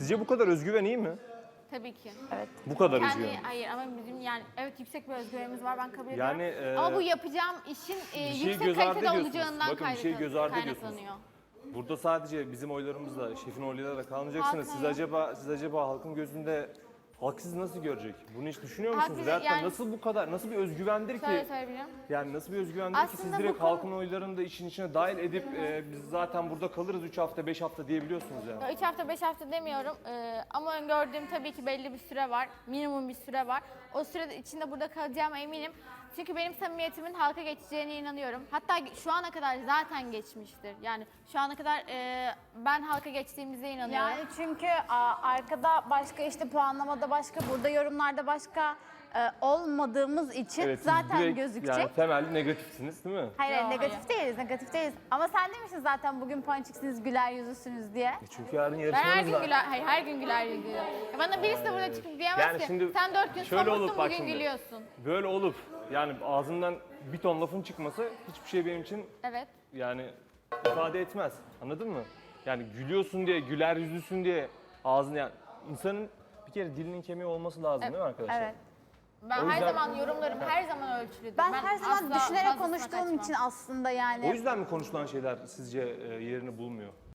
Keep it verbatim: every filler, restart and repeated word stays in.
Sizce bu kadar özgüven iyi mi? Tabii ki. Evet. Bu kadar Kendi, özgüven. hayır ama bizim yani evet yüksek bir özgüvenimiz var, ben kabul Yani, ediyorum. e, Ama bu yapacağım işin e, bir şeyi yüksek göz ardı kalitede ediyorsunuz. olacağından Bakın, bir şeyi kaynak- göz ardı ediyorsunuz. kaynaklanıyor. Burada sadece bizim oylarımızla, şefin oylarıyla da kalmayacaksınız. Halkın Siz oyu. acaba siz acaba halkın gözünde halk sizi nasıl görecek? Bunu hiç düşünüyor Halk musunuz? bizi- Veyahut da yani- nasıl bu kadar, nasıl bir özgüvendir ki? Şöyle söyleyebilirim. Yani nasıl bir özgüvendir ki siz Aslında direkt bu konu- halkın oylarını da işin içine dahil edip e, biz zaten burada kalırız üç hafta, beş hafta diyebiliyorsunuz yani. üç hafta, beş hafta demiyorum Ee, ama öngördüğüm tabii ki belli bir süre var. Minimum bir süre var. O süre içinde burada kalacağıma eminim. Çünkü benim samimiyetimin halka geçeceğine inanıyorum. Hatta şu ana kadar zaten geçmiştir. Yani şu ana kadar e, ben halka geçtiğimize inanıyorum. Yani çünkü a, arkada başka, işte puanlamada başka, burada yorumlarda başka e, olmadığımız için Evet, siz zaten direkt gözükecek. Yani temelde negatifsiniz değil mi? Hayır, hayır, Yo, negatif değiliz, negatif değiliz. Ama sen demiştin zaten bugün ponçiksiniz, güler yüzüsünüz diye. E çünkü yarın Ben her yarışmamız gün var. güler, hayır her gün güler yüzüyorum. Ya bana birisi de burada çıkıp diyemez Yani ki şimdi sen dört gün şöyle somurtsun olup bak bugün şimdi. gülüyorsun. Böyle olup yani ağzından bir ton lafın çıkması hiçbir şey benim için Evet. yani ifade etmez. Anladın mı? Yani gülüyorsun diye, güler yüzlüsün diye ağzını yani insanın bir kere dilinin kemiği olması lazım değil mi arkadaşlar? Evet. Ben O her yüzden- zaman yorumlarım her zaman ölçülüdür. Ben, her zaman asla düşünerek fazlasına konuştuğum kaçmam. için aslında yani. O yüzden mi konuşulan şeyler sizce e, yerini bulmuyor?